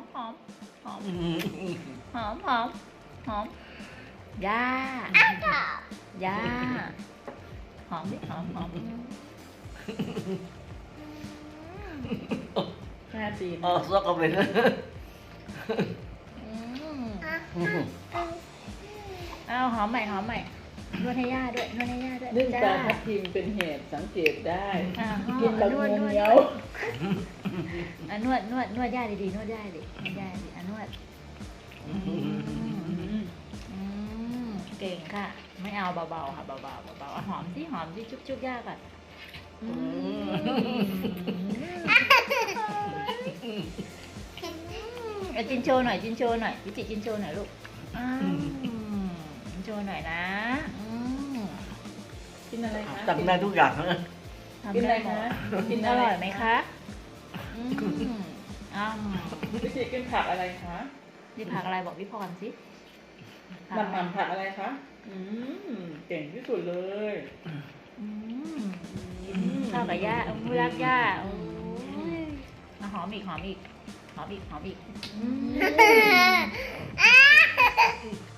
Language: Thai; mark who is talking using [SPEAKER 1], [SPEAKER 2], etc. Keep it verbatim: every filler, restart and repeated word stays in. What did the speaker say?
[SPEAKER 1] หอมหอมหอมหอมหอมย่าย่าหอมดิหอมหอม
[SPEAKER 2] ห้าจีน
[SPEAKER 3] Ờ, sao có mình
[SPEAKER 1] อืมเอาหอมใหม่หอมใหม่นวดให้ย่าด้วยนวดให้ย่าด้วย
[SPEAKER 2] นึ่งปลา
[SPEAKER 1] จ้า
[SPEAKER 2] ทับทิมเป็นเหตุสังเกตได้
[SPEAKER 1] อ่า
[SPEAKER 2] กินแบบ
[SPEAKER 1] นวด
[SPEAKER 2] ง
[SPEAKER 1] น
[SPEAKER 2] ง
[SPEAKER 1] วด
[SPEAKER 2] เงี้ยว
[SPEAKER 1] อ่ะนวดนวดนวดย่าดีๆนวดย่าดินวดย่าดิอ่ะนวดอืมอืมเก่งค่ะ ไม่เอาเบาๆค่ะเบาๆเบาๆอ่ะหอมสิหอมสิจุ๊บๆย่าก่อนอืมเอาจินโชว์หน่อยจินโชว์หน่อยวิจิจินโชว์หน่อยลูกอืมจินโชว์หน่อยนะอืม
[SPEAKER 2] กินอะไรคะ
[SPEAKER 3] Tầm này thuốc gạt nữa
[SPEAKER 1] ทำ
[SPEAKER 2] กินอะไร
[SPEAKER 1] ได้หม
[SPEAKER 2] คะ
[SPEAKER 1] ด
[SPEAKER 2] กิน
[SPEAKER 1] อ
[SPEAKER 2] อะไร
[SPEAKER 1] ร่อยไหมคะอืมอ้าว
[SPEAKER 2] วิจิกินผักอะไรคะ
[SPEAKER 1] นี่ผักอะไรบอกพี่พรสิ
[SPEAKER 2] หมันหมันผักอะไรคะอืมเก่งที่สุดเลย
[SPEAKER 1] อืมข้าวกับย่าเอามือรักย่าโอ้ยเอาหอมอีกหอมอีกหอมอีกหอมอีกอืม